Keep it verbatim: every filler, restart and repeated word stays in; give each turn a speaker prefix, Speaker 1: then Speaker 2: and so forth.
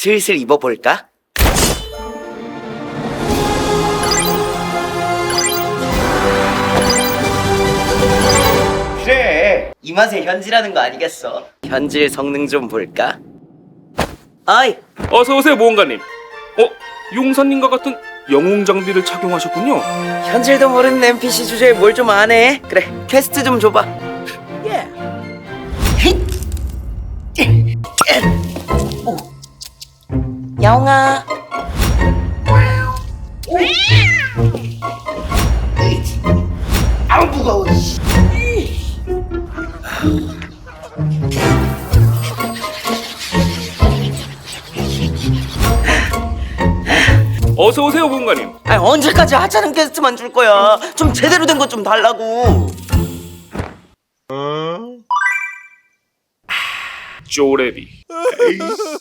Speaker 1: 슬슬 입어볼까? 그래, 이 맛에 현질하는 거 아니겠어? 현질 성능 좀 볼까? 아이,
Speaker 2: 어서 오세요, 모험가님. 어, 용사님과 같은 영웅 장비를 착용하셨군요.
Speaker 1: 현질도 모르는 엔피씨 주제에 뭘 좀 아네. 그래, 퀘스트 좀 줘봐. 예. 오. 야옹아. 아우 무거워.
Speaker 2: 어서 오세요, 모험가님.
Speaker 1: 아니 언제까지 하찮은 퀘스트만 줄 거야? 좀 제대로 된 것 좀 달라고.
Speaker 2: 쪼레비.